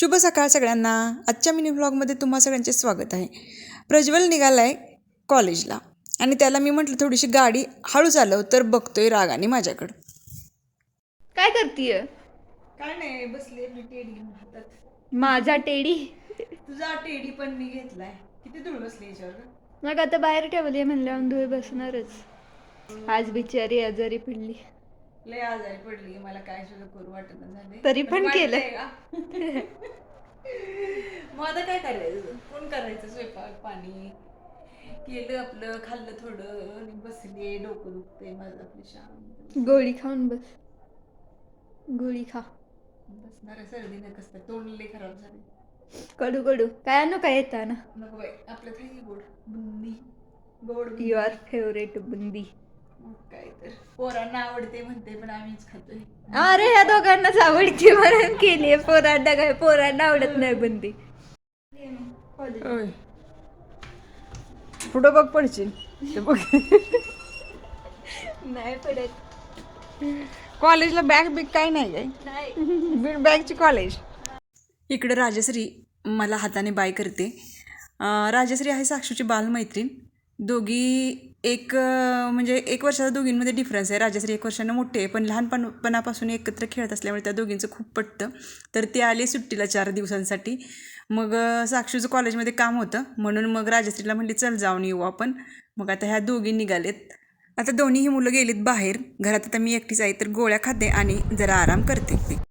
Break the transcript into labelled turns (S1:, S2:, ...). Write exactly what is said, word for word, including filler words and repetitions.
S1: शुभ सकाळ सगळ्यांना. आजच्या मिनी व्लॉगमध्ये तुम्हा सगळ्यांचे स्वागत आहे. प्रज्वल निघाला आहे कॉलेजला आणि त्याला मी म्हटलं थोडीशी गाडी हळू चालव, तर बघतोय रागाने माझ्याकडं.
S2: काय करतीय?
S1: काय नाही, बसले मी टेडी घेऊन हातात.
S2: माझा टेडी
S1: तुझा टेडी पण मी घेतलाय. किती धूळ बसली याच्यावर.
S2: मग आता बाहेर ठेवली म्हणल्यावर धुळे बसणारच. आज बिचारी आजारी पडली,
S1: लय आजारी पडली, मला काय सुद्धा करू वाटत झाले,
S2: तरी पण केलं.
S1: मग आता काय करायचं, कोण करायचं स्वयंपाक पाणी केलं, आपलं खाल्लं थोडं आणि बसले. डोकं दुखते माझं, आपली शाम.
S2: गोळी खाऊन बस, गोळी खा.
S1: बसणार सर्दी न कसं तोंड लय खराब झाले.
S2: कडू कडू काय आणू काय येता ना.
S1: नको बाई, आपलं काही गोड बुंदी, गोड
S2: युअर फेवरेट बुंदी.
S1: मग काय तर पोरांना आवडते म्हणते, पण आम्हीच खातोय.
S2: अरे ह्या दोघांनाच आवडते म्हणून केली. पोरांना काय, पोरांना आवडत नाही बुंदी.
S1: पुढं बघ, पडशील बघ.
S2: नाही पडत.
S1: कॉलेजला बॅग बिग काय नाही आहे, बॅगची कॉलेज. इकडं राजश्री मला हाताने बाय करते. राजश्री आहे साक्षूची बालमैत्रीण. दोघी एक म्हणजे एक वर्षाचा दोघींमध्ये डिफरन्स आहे. राजश्री एक वर्षानं मोठी आहे, पण लहानपणापासून एकत्र खेळत असल्यामुळे त्या दोघींचं खूप पटतं. तर ते आले सुट्टीला चार दिवसांसाठी. मग साक्षूचं कॉलेजमध्ये काम होतं म्हणून मग राजश्रीला म्हणली चल जाऊन येऊ आपण. मग आता ह्या दोघी निघालेत. आता दोन्हीही मुलं गेलीत बाहेर. घरात आता मी एकटीच आहे, तर गोळ्या खाते आणि जरा आराम करते.